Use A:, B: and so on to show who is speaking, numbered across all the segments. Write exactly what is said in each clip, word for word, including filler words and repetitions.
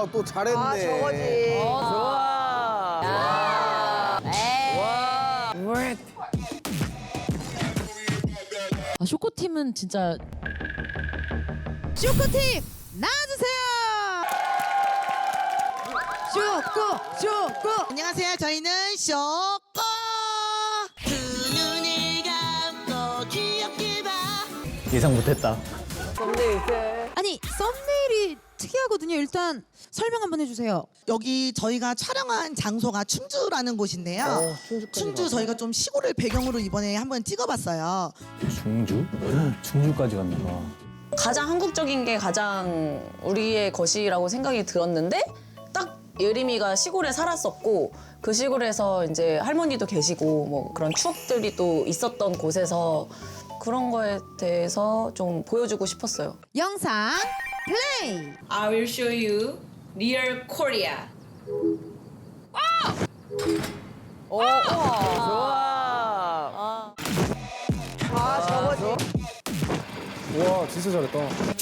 A: 또 잘했네.
B: 아, 저거지.
C: 어, 좋아. 야. 에이. 와.
D: 아, 쇼코팀은 진짜
E: 쇼코팀 나와주세요. 쇼코 쇼코.
F: 안녕하세요. 저희는 쇼코. 두 눈을 감고 귀엽게 봐.
G: 예상 못했다.
B: 썸네일 때.
E: 아니 썸네일이 특이하거든요. 일단 설명 한번 해주세요.
F: 여기 저희가 촬영한 장소가 충주라는 곳인데요.
A: 어,
F: 충주 저희가 좀 시골을 배경으로 이번에 한번 찍어봤어요.
G: 충주? 충주까지 갔나 봐.
C: 가장 한국적인 게 가장 우리의 것이라고 생각이 들었는데 딱 예림이가 시골에 살았었고 그 시골에서 이제 할머니도 계시고 뭐 그런 추억들이 또 있었던 곳에서 그런 거에 대해서 좀 보여주고 싶었어요.
E: 영상 플레이.
H: I will show you real Korea.
B: 오, 우와. 좋아. 아, 저거지.
A: 와, 진짜 잘했다.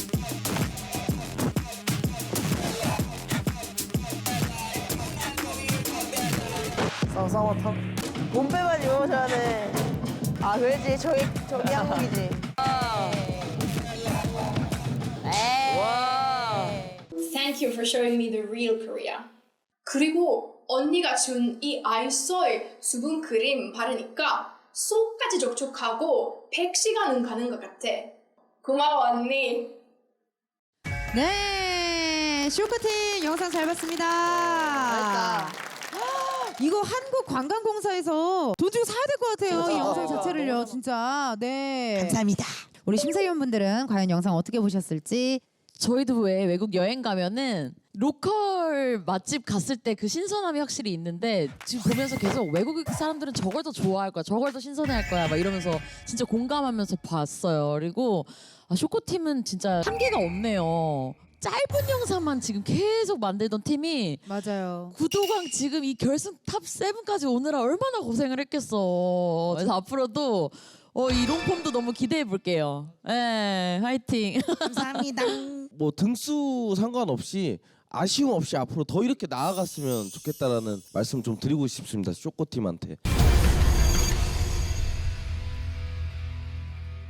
A: 쌍쌍화탕.
B: 몸빼만 입으셔야 돼. 아, 그렇지. 저기, 저기 한국이지.
C: 에이.
B: 와.
H: Thank you for showing me the real Korea. 그리고 언니가 준 이 아이소의 수분 크림 바르니까 속까지 촉촉하고 백 시간은 가는 것 같아. 고마워 언니.
E: 네, 쇼코팀 영상 잘 봤습니다.
B: 잘했다.
E: 이거 한국관광공사에서 돈 주고 사야 될 것 같아요. 이 영상 자체를요, 진짜. 네.
F: 감사합니다.
E: 우리 심사위원분들은 과연 영상 어떻게 보셨을지.
D: 저희도 왜 외국 여행 가면은 로컬 맛집 갔을 때 그 신선함이 확실히 있는데 지금 보면서 계속 외국 사람들은 저걸 더 좋아할 거야, 저걸 더 신선해할 거야 막 이러면서 진짜 공감하면서 봤어요. 그리고 아, 쇼코팀은 진짜 한계가 없네요. 짧은 영상만 지금 계속 만들던 팀이
E: 맞아요.
D: 구도강 지금 이 결승 탑 세븐까지 오느라 얼마나 고생을 했겠어. 그래서 앞으로도 어, 이 롱폼도 너무 기대해 볼게요. 예, 화이팅.
F: 감사합니다.
A: 뭐 등수 상관없이 아쉬움 없이 앞으로 더 이렇게 나아갔으면 좋겠다라는 말씀 좀 드리고 싶습니다. 쇼코팀한테.